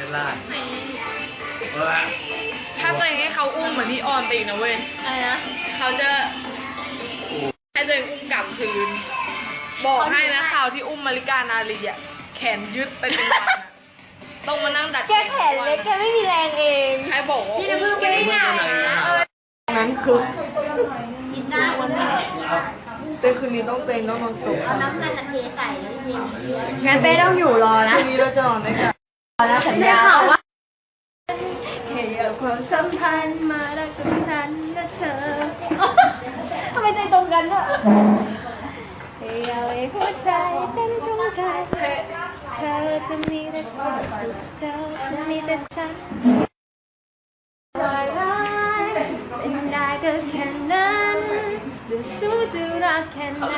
ชรลาดถ้าตัวเองให้เขาอุ้มเหมือนพี่ออนไปอีกนะเว้ยอะไรนะเขาจะให้ตัวเองอุ้มกลับคืน บอกให้นะข่าวที่อุ้มมาริกานาลีอ่ะแขนยึดไปเป็นวันอะต้องมานั่งดัดแกแขนเล็กแกไม่มีแรงเองใครบอกว่าพี่น้ำพึ่งไม่ได้หนักนะนั้นคือกินได้วันนี้เต้นคืนนี้ต้องเต้นต้องนอนสุกเอาน้ำมันเทใส่แล้วเย็นงั้นเต้ต้องอยู่รอนะคืนนี้เราจะนอนด้วยกันรอนะสัญได้ญาข่าวว่าแค่อยากความสัมพันธ์มารักจากฉันและเธอทำไมใจตรงกันอะแค่อยากให้หัวใจเต้นตรงกันเธอจะมีแต่ความสุขเธอจะมีแต่ฉันเป็นได้ก็แค่นั้นจะสู้จะรักแค่ไหน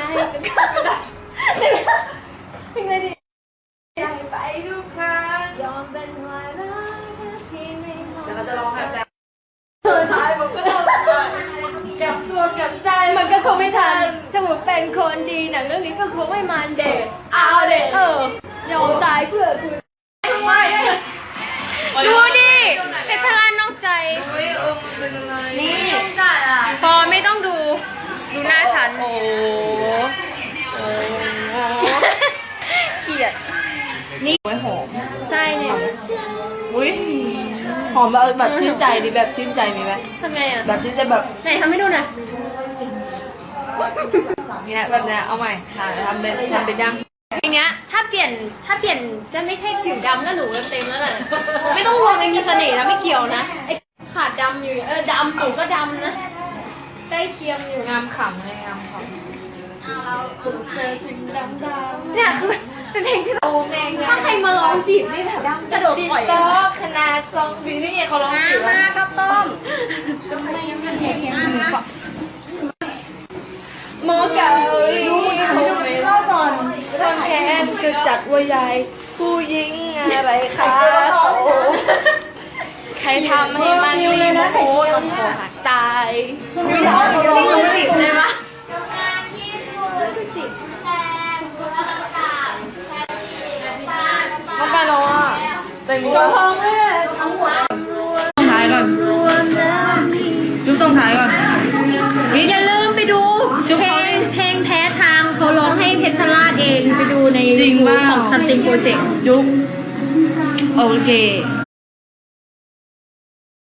เป็นไงดิไปทุกครั้งยอมเป็นวายร้ายที่ไม่มองแล้วเขาจะร้องไห้แต่สุดท้ายผมก็ต้องกลับตัวกลับใจมันก็คงไม่ทันถ้าผมเป็นคนดีหนังเรื่องนี้ก็คงไม่มันเด็กเอาเด็กยอมตายเพื่อคุณไม่ดูดิเพชรลาดนอกใจเป็นอะไรนี่ต้องจัดอ่ะพอไม่ต้องดู ดูหน้าฉัน โอ้เกลียดไว้หอมใช่เนี่ยอุ้ยหอมแบบชื่นใจดิแบบชื่นใจมีไหมทำไงอ่ะแบบชื่นใจแบบไหนทำให้ดูหน่อยเนี้ยแบบเนี้ยเอาใหม่ทำเป็นยังอย่างเงี้ยถ้าเปลี่ยนจะไม่ใช่ผิวดำก็หนูเต็มแล้วแหละไม่ต้องห่วงไม่มีเสน่ห์นะไม่เกี่ยวนะไอ้ขาดดำอยู่ดำหนูก็ดำนะใกล้เคียงอยู่งามขำเลยงามขำเจอสิ่งดำๆเนี่ยคือเป็นเพลงที่เราเองถ้าใครมาร้องจีบนี่แบบกระโดดต่อยก็ขนาดซองบีนี่ไงเขาร้องจีบมาข้าวต้มจะไม่เห็นหมอเก่าคงไม่รอดก่อนต้นแขนคือจัดว่าใหญ่ผู้หญิงอะไรคะใครทำให้มันรีโมโหต้องขอหักตายไม่ร้องนี่คือจีบใช่ไหมน้องไปแล้วอ่ะเต็มตัวพองเลยทั้งหัวท้ายก่อนดูส่งท้ายก่อนอย่าลืมไปดูเพลงแพ้ทางเขาร้องให้เพชรลาดเองไปดูในจริงยูทูบเปล่าของ Something Project จุ๊บโอเค